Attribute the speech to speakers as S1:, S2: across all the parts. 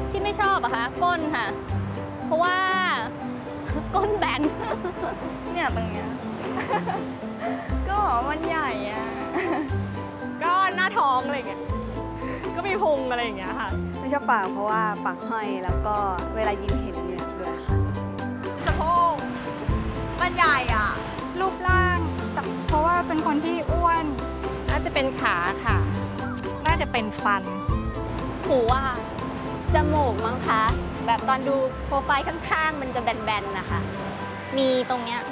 S1: ที่ไม่ชอบอะคะก้นค่ะ เพราะว่า ก้นแบน
S2: เนี่ยตรงเนี้ย ก็มันใหญ่อะ ก็หน้าท้องอะไรอย่างเงี้ย ก็มีพุงอะไรอย่างเงี้ยค่ะ
S3: ไม่ชอบปากเพราะว่าปากห้อยแล้วก็เวลายิ้มเห็นเหงือกด้วยค่ะ
S2: สะโพกมันใหญ่อ่ะ
S4: รูปร่างเพราะว่าเป็นคนที่อ้วน
S5: น่าจะเป็นขาค่ะ
S2: น่าจะเป็นฟัน
S1: หูว่า
S6: จมูกมั้งคะ แบบตอนดูโปรไฟล์ข้างๆ มันจะแบนๆนะคะ มีตรงเนี้ย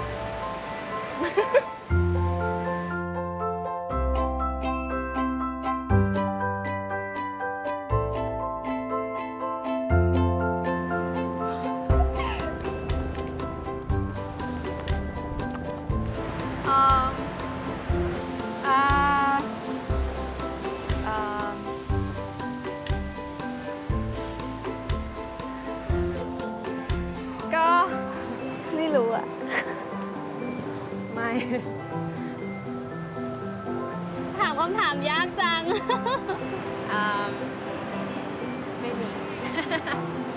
S4: อ่า
S2: ก็
S3: ไม่รู้อะ
S2: ไม่
S1: ถามคำถามยากจัง
S5: ไม่มี